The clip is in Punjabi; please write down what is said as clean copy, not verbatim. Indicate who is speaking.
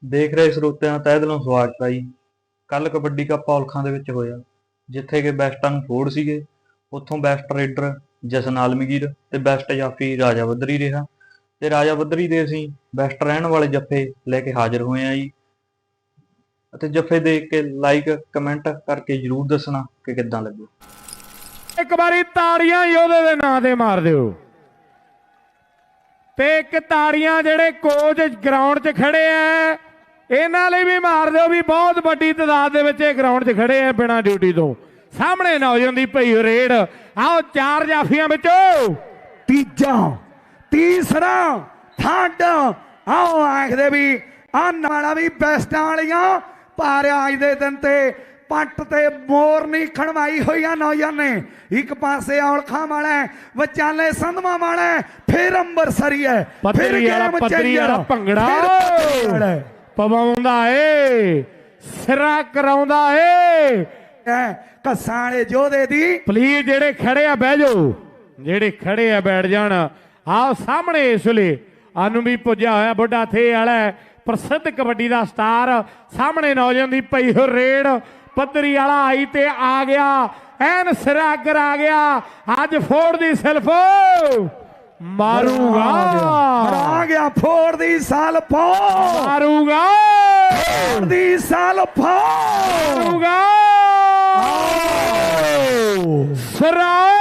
Speaker 1: ਦੇਖ ਰਹੇ ਸਰੋਤਿਆਂ ਦਾ ਤਹਿ ਦਿਲੋਂ ਸਵਾਗਤ ਹੈ ਜੀ। ਕੱਲ ਕਬੱਡੀ ਕੱਪ ਔਲਖਾਂ ਦੇ ਵਿੱਚ ਹੋਇਆ, ਜਿੱਥੇ ਕਿ ਬੈਸਟਾਂ ਨੂੰ ਫੋੜ ਸੀਗੇ। ਉੱਥੋਂ ਬੈਸਟ ਰੇਡਰ ਜਸ਼ਨ ਆਲਮਗੀਰ ਤੇ ਬੈਸਟ ਜਾਫੀ ਰਾਜਾ ਬੱਦਰੀ ਰਿਹਾ, ਤੇ ਰਾਜਾ ਬੱਦਰੀ ਦੇ ਅਸੀਂ ਬੈਸਟ ਰਹਿਣ ਵਾਲੇ ਜੱਫੇ ਲੈ ਕੇ ਹਾਜ਼ਰ ਹੋਏ ਆ ਜੀ। ਅਤੇ ਜੱਫੇ ਦੇਖ ਕੇ ਲਾਈਕ ਕਮੈਂਟ ਕਰਕੇ ਜਰੂਰ ਦੱਸਣਾ ਕਿ ਕਿੱਦਾਂ ਲੱਗੇ।
Speaker 2: ਇੱਕ ਵਾਰੀ ਤਾੜੀਆਂ ਯੋਧੇ ਦੇ ਨਾਂ ਤੇ ਮਾਰ ਦਿਓ, ਤੇ ਇੱਕ ਤਾੜੀਆਂ ਜਿਹੜੇ ਕੋਚ ਗਰਾਊਂਡ 'ਚ ਖੜੇ ਆ ਇਹਨਾਂ ਲਈ ਵੀ ਮਾਰ ਦਿਓ ਵੀ ਬਹੁਤ ਵੱਡੀ ਤਾਦਾਦ ਦੇ ਵਿੱਚ ਇਹ ਗਰਾਊਂਡ 'ਚ ਖੜੇ ਆ ਬਿਨਾਂ ਡਿਊਟੀ ਤੋਂ। ਸਾਹਮਣੇ ਨੌਜਵਾਨ ਦੀ ਭਈ ਰੇਡ। ਆਓ ਚਾਰ ਜਾਫੀਆਂ ਵਿੱਚੋਂ
Speaker 3: ਤੀਸਰਾ ਥਰਡ ਆਓ ਆਖਦੇ ਵੀ ਆਹ ਵੀ ਬੈਸਟਾਂ ਵਾਲੀਆਂ ਪਰ ਅੱਜ ਦੇ ਦਿਨ ਤੇ ਪੱਟ ਤੇ ਮੋਰ ਨਹੀਂ ਖਣਵਾਈ ਹੋਈਆਂ ਨੌਜਵਾਨ ਨੇ। ਇੱਕ ਪਾਸੇ ਔਲਖਾਂ ਵਾਲਾ ਵਿਚਾਲੇ ਸੰਧਵਾ ਵਾਲਾ, ਫਿਰ ਅੰਬਰਸਰੀ ਹੈ, ਫਿਰ ਗੇਮ ਚੇਂਜਰ
Speaker 2: ਭੰਗੜਾ ਪਵਾਉਂਦਾ ਏ, ਸਿਰਾ ਕਰਾਉਂਦਾ ਏ।
Speaker 3: ਕੱਸਾਂ ਵਾਲੇ ਯੋਧੇ ਦੀ
Speaker 2: ਪਲੀਜ਼ ਜਿਹੜੇ ਖੜੇ ਆ ਬਹਿ ਜਾਓ, ਜਿਹੜੇ ਖੜੇ ਆ ਬੈਠ ਜਾਣ। ਆਓ ਸਾਹਮਣੇ ਇਸ ਵੇਲੇ ਆਨੂੰ ਵੀ ਪੁੱਜਿਆ ਹੋਇਆ ਬੁੱਢਾ ਥੇ ਵਾਲਾ ਪ੍ਰਸਿੱਧ ਕਬੱਡੀ ਦਾ ਸਟਾਰ। ਸਾਹਮਣੇ ਨੌਜਵਾਨ ਦੀ ਪਈ ਹੋ ਰੇਡ, ਪੱਧਰੀ ਵਾਲਾ ਆਈ ਤੇ ਆ ਗਿਆ, ਐਨ ਸਿਰਾ ਅੱਗਰ ਆ ਗਿਆ। ਅੱਜ ਫੋੜ ਦੀ ਸਿਲਫ ਮਾਰੂਗਾ,
Speaker 3: ਆ ਗਿਆ ਫੋੜ ਦੀ ਸਲਫ
Speaker 2: ਮਾਰੂਗਾ,
Speaker 3: ਫੋੜ ਦੀ ਸਲਫ
Speaker 2: ਮਾਰੂਗਾ। ਸਿਰਾ